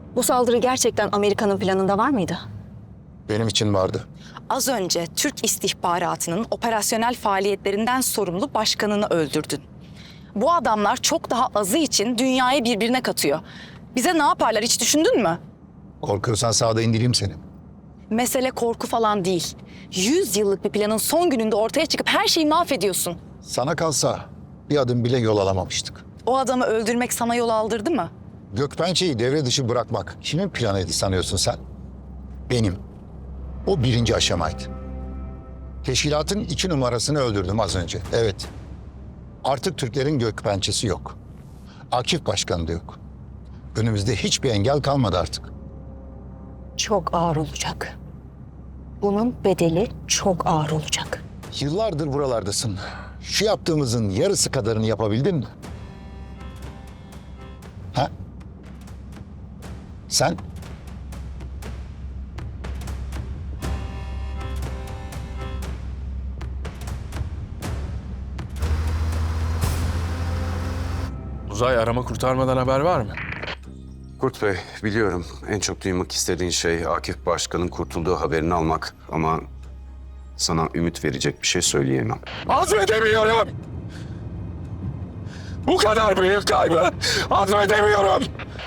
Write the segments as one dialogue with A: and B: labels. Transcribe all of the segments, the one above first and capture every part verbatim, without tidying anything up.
A: Bu saldırı gerçekten Amerika'nın planında var mıydı?
B: Benim için vardı.
C: Az önce Türk istihbaratının operasyonel faaliyetlerinden sorumlu başkanını öldürdün. Bu adamlar çok daha azı için dünyayı birbirine katıyor. Bize ne yaparlar hiç düşündün mü?
B: Korkuyorsan sağda indireyim seni.
C: Mesele korku falan değil. Yüz yıllık bir planın son gününde ortaya çıkıp her şeyi mahvediyorsun.
B: Sana kalsa bir adım bile yol alamamıştık.
C: O adamı öldürmek sana yol aldırdı mı?
B: Gökpençe'yi devre dışı bırakmak kimin planıydı sanıyorsun sen? Benim. O birinci aşamaydı. Teşkilatın iki numarasını öldürdüm az önce. Evet. Artık Türklerin Gökpençe'si yok. Akif Başkan da yok. Önümüzde hiçbir engel kalmadı artık.
A: Çok ağır olacak. Bunun bedeli çok ağır olacak.
B: Yıllardır buralardasın. Şu yaptığımızın yarısı kadarını yapabildin mi? Ha? Sen?
D: Uzay arama kurtarmadan haber var mı?
E: Kurt Bey, biliyorum en çok duymak istediğin şey Akif Başkan'ın kurtulduğu haberini almak. Ama sana ümit verecek bir şey söyleyemem.
D: Azmedemiyorum. Bu kadar büyük kaybı azmedemiyorum.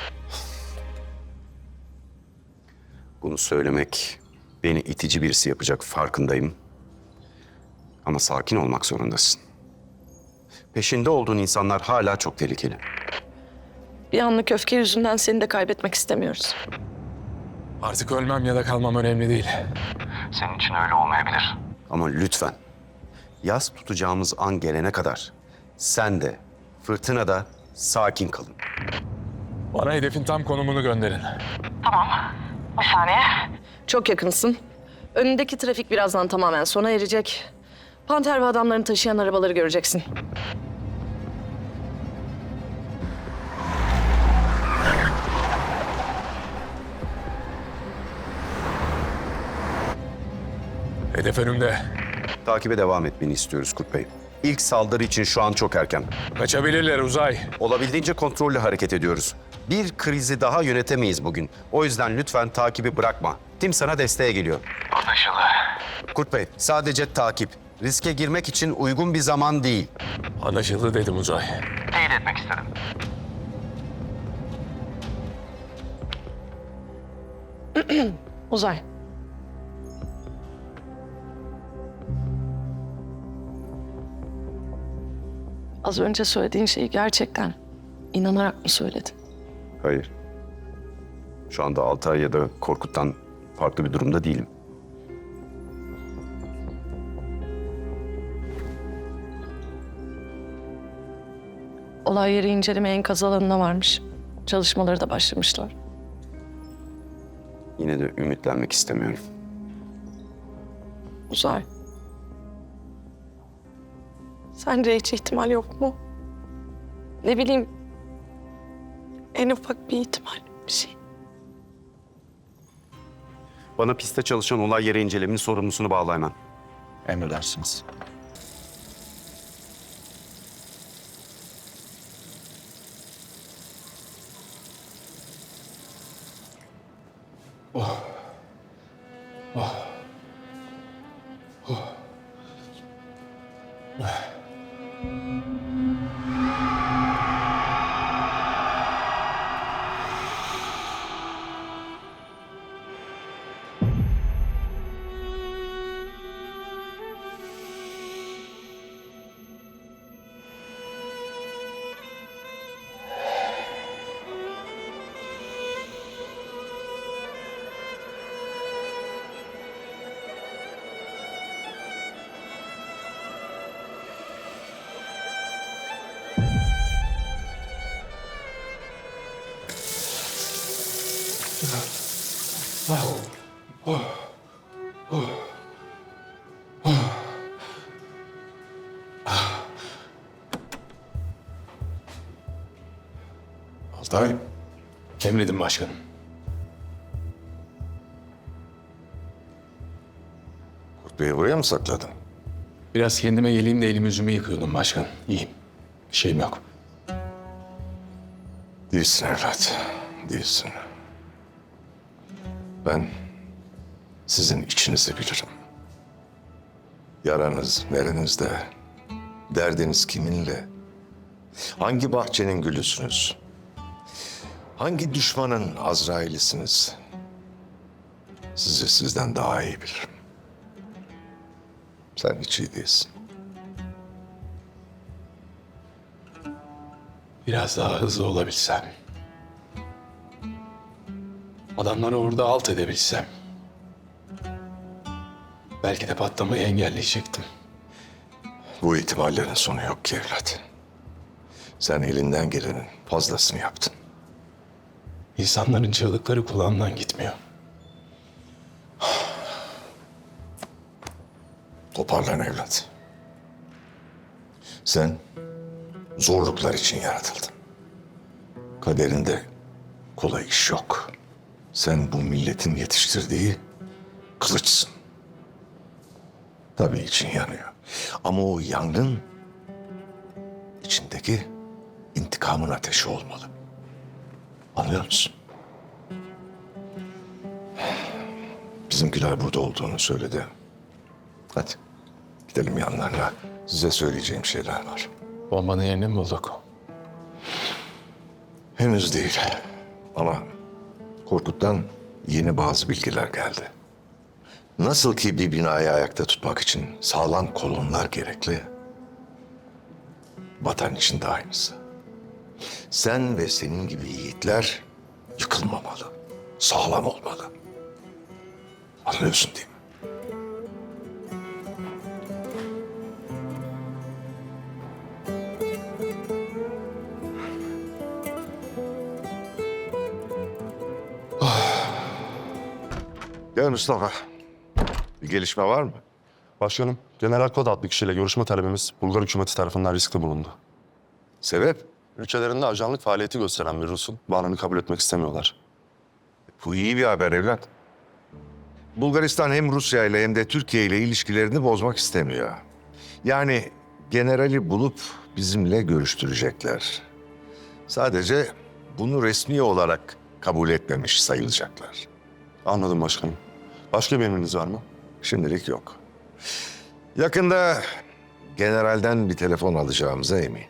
E: Bunu söylemek beni itici birisi yapacak farkındayım. Ama sakin olmak zorundasın. Peşinde olduğun insanlar hala çok tehlikeli.
F: Bir anlık öfke yüzünden seni de kaybetmek istemiyoruz.
D: Artık ölmem ya da kalmam önemli değil.
E: Senin için öyle olmayabilir. Ama lütfen yas tutacağımız an gelene kadar sen de fırtınada sakin kalın.
D: Bana hedefin tam konumunu gönderin.
F: Çok yakınsın. Önündeki trafik birazdan tamamen sona erecek. Panter ve adamlarını taşıyan arabaları göreceksin.
D: Hedef önümde.
E: Takibe devam etmeni istiyoruz Kurt Bey. İlk saldırı için şu an çok erken.
D: Kaçabilirler Uzay.
E: Olabildiğince kontrollü hareket ediyoruz. Bir krizi daha yönetemeyiz bugün. O yüzden lütfen takibi bırakma. Tim sana desteğe geliyor. Anlaşıldı. Kurt Bey, sadece takip. Riske girmek için uygun bir zaman değil.
D: Anlaşıldı dedim Uzay.
F: Uzay. Az önce söylediğin şeyi gerçekten inanarak mı söyledin?
E: Hayır. Şu anda Altay ya da Korkut'tan farklı bir durumda değilim.
F: Olay yeri inceleme enkaz alanına varmış. Çalışmaları da başlamışlar.
E: Yine de ümitlenmek istemiyorum.
F: Uzay. Sence hiç ihtimal yok mu? Ne bileyim, en ufak bir ihtimal, bir şey.
E: Bana pistte çalışan olay yeri incelemenin sorumlusunu bağla hemen.
B: Emredersiniz.
D: Altay. Emredin başkanım.
E: Kurt Bey'i buraya mı sakladın?
D: Biraz kendime geleyim de elimi yüzümü yıkıyordum başkan. İyiyim. Bir şeyim yok.
E: Değilsin evlat, değilsin.
G: Ben sizin içinizi bilirim. Yaranız nerenizde, derdiniz kiminle, hangi bahçenin gülüsünüz, hangi düşmanın Azrail'isiniz, sizi sizden daha iyi bilirim. Sen hiç iyi değilsin.
D: Biraz daha hızlı olabilsem. Adamları orada alt edebilsem. Belki de patlamayı engelleyecektim.
G: Bu ihtimallerin sonu yok ki evlat. Sen elinden gelenin fazlasını yaptın.
D: İnsanların çığlıkları kulağımdan gitmiyor.
G: Toparlan evlat. Sen zorluklar için yaratıldın. Kaderinde kolay iş yok. Sen bu milletin yetiştirdiği kılıçsın. Tabii için yanıyor. Ama o yangın içindeki intikamın ateşi olmalı. Anlıyor musun? Bizimkiler burada olduğunu söyledi. Hadi gidelim yanlarına. Size söyleyeceğim şeyler var.
D: Bombanın yerini mi bulduk?
G: Henüz değil. Ama Korkut'tan yeni bazı bilgiler geldi. Nasıl ki bir binayı ayakta tutmak için sağlam kolonlar gerekli, vatan için de aynısı. Sen ve senin gibi yiğitler yıkılmamalı, sağlam olmalı. Anlıyorsun değil mi? Gel Mustafa. Bir gelişme var mı?
H: Başkanım, General Kod adlı kişiyle görüşme talebimiz Bulgar hükümeti tarafından riskli bulundu.
G: Sebep?
H: Ülkelerinde ajanlık faaliyeti gösteren bir Rus'un varlığını kabul etmek istemiyorlar.
G: Bu iyi bir haber evlat. Bulgaristan hem Rusya ile hem de Türkiye ile ilişkilerini bozmak istemiyor. Yani generali bulup bizimle görüştürecekler. Sadece bunu resmi olarak kabul etmemiş sayılacaklar.
H: Anladım başkanım. Başka bir emriniz var mı?
G: Şimdilik yok. Yakında generalden bir telefon alacağımıza eminim.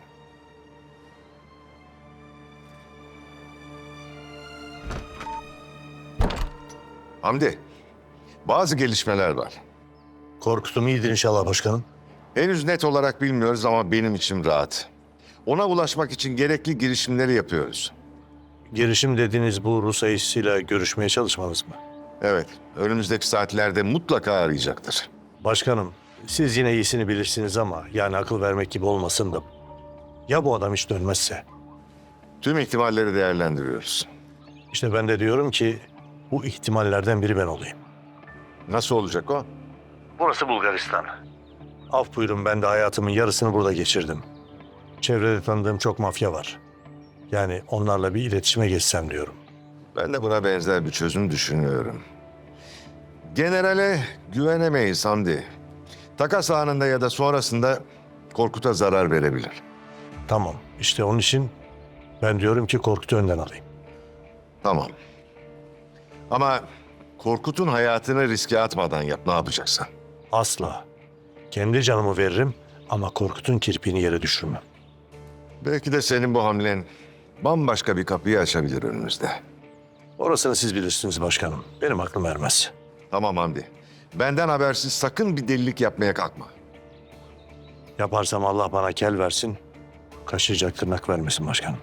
G: Hamdi, bazı gelişmeler var.
I: Korkutum iyidir inşallah başkanım.
G: Henüz net olarak bilmiyoruz ama benim içim rahat. Ona ulaşmak için gerekli girişimleri yapıyoruz.
I: Girişim dediğiniz bu Rus ayısıyla görüşmeye çalışmanız mı?
G: Evet, önümüzdeki saatlerde mutlaka arayacaktır.
I: Başkanım, siz yine iyisini bilirsiniz ama yani akıl vermek gibi olmasın da. Ya bu adam hiç dönmezse?
G: Tüm ihtimalleri değerlendiriyoruz.
I: İşte ben de diyorum ki bu ihtimallerden biri ben olayım.
G: Nasıl olacak o?
I: Burası Bulgaristan. Af buyurun, ben de hayatımın yarısını burada geçirdim. Çevrede tanıdığım çok mafya var. Yani onlarla bir iletişime geçsem diyorum.
G: Ben de buna benzer bir çözüm düşünüyorum. Generale güvenemeyiz Hamdi. Takas anında ya da sonrasında Korkut'a zarar verebilir.
I: Tamam, işte onun için ben diyorum ki Korkut'u önden alayım.
G: Tamam. Ama Korkut'un hayatını riske atmadan yap, ne yapacaksan.
I: Asla. Kendi canımı veririm ama Korkut'un kirpiğini yere düşürmem.
G: Belki de senin bu hamlen bambaşka bir kapıyı açabilir önümüzde.
I: Orasını siz bilirsiniz başkanım. Benim aklım ermez.
G: Tamam Hamdi. Benden habersiz sakın bir delilik yapmaya kalkma.
I: Yaparsam Allah bana kel versin, kaşıyacak tırnak vermesin başkanım.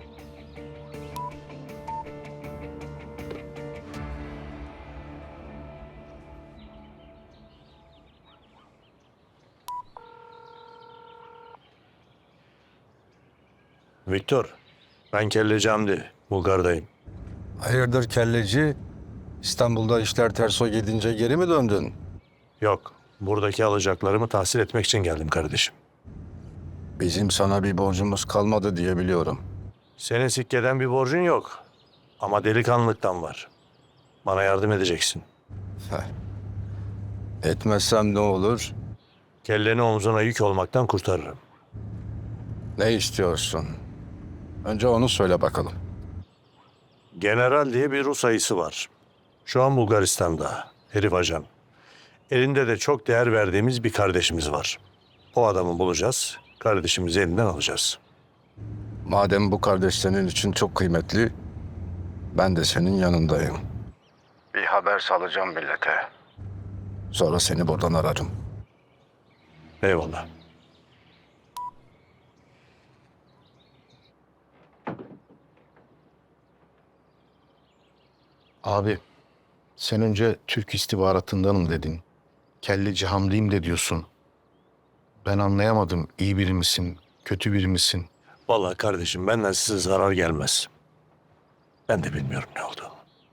I: Viktor, ben kelleci Hamdi, Bulgar'dayım.
J: Hayırdır kelleci? İstanbul'da işler ters o gidince geri mi döndün?
I: Yok, buradaki alacaklarımı tahsil etmek için geldim kardeşim.
J: Bizim sana bir borcumuz kalmadı diye biliyorum.
I: Senin sikkeden bir borcun yok. Ama delikanlılıktan var. Bana yardım edeceksin.
J: Etmezsem ne olur?
I: Kelleni omzuna yük olmaktan kurtarırım.
J: Ne istiyorsun? Önce onu söyle bakalım.
I: General diye bir Rus ayısı var. Şu an Bulgaristan'da herif ajan. Elinde de çok değer verdiğimiz bir kardeşimiz var. O adamı bulacağız, kardeşimizi elinden alacağız.
J: Madem bu kardeş senin için çok kıymetli, ben de senin yanındayım. Bir haber salacağım millete. Sonra seni buradan ararım.
I: Eyvallah.
K: Abi, sen önce Türk istihbaratındanım dedin. Kelleci Hamdi'yim de diyorsun. Ben anlayamadım. İyi biri misin, kötü biri misin?
I: Vallahi kardeşim benden size zarar gelmez. Ben de bilmiyorum ne oldu.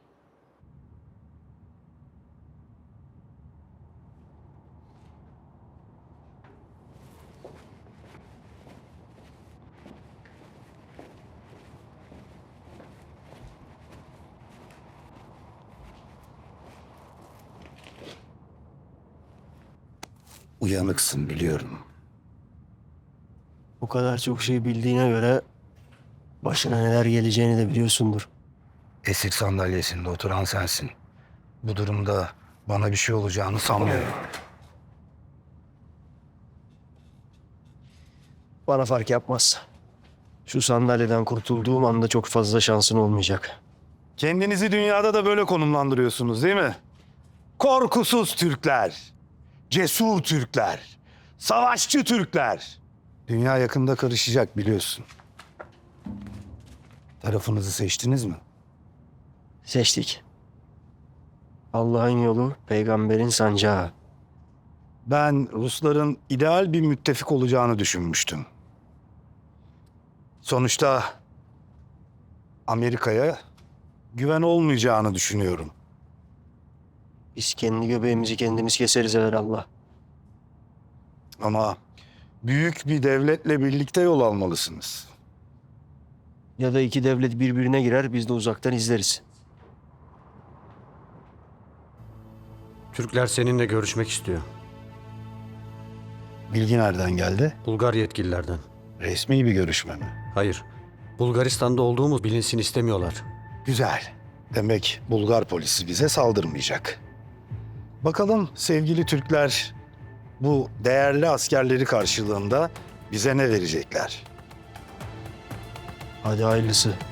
J: Uyanıksın biliyorum.
L: Bu kadar çok şey bildiğine göre başına neler geleceğini de biliyorsundur.
J: Esir sandalyesinde oturan sensin. Bu durumda bana bir şey olacağını sanmıyorum.
L: Bana fark yapmaz. Şu sandalyeden kurtulduğum anda çok fazla şansın olmayacak.
I: Kendinizi dünyada da böyle konumlandırıyorsunuz değil mi? Korkusuz Türkler, cesur Türkler, savaşçı Türkler.
J: Dünya yakında karışacak biliyorsun. Tarafınızı seçtiniz mi?
L: Seçtik. Allah'ın yolu, peygamberin sancağı.
J: Ben Rusların ideal bir müttefik olacağını düşünmüştüm. Sonuçta Amerika'ya güven olmayacağını düşünüyorum.
L: Biz kendi göbeğimizi kendimiz keseriz Allah.
J: Ama büyük bir devletle birlikte yol almalısınız.
L: Ya da iki devlet birbirine girer, biz de uzaktan izleriz.
M: Türkler seninle görüşmek istiyor.
J: Bilgi nereden geldi?
M: Bulgar yetkililerden.
J: Resmi bir görüşme mi?
M: Hayır. Bulgaristan'da olduğumuz bilinsin istemiyorlar.
J: Güzel. Demek Bulgar polisi bize saldırmayacak. Bakalım sevgili Türkler bu değerli askerleri karşılığında bize ne verecekler?
L: Hadi hayırlısı.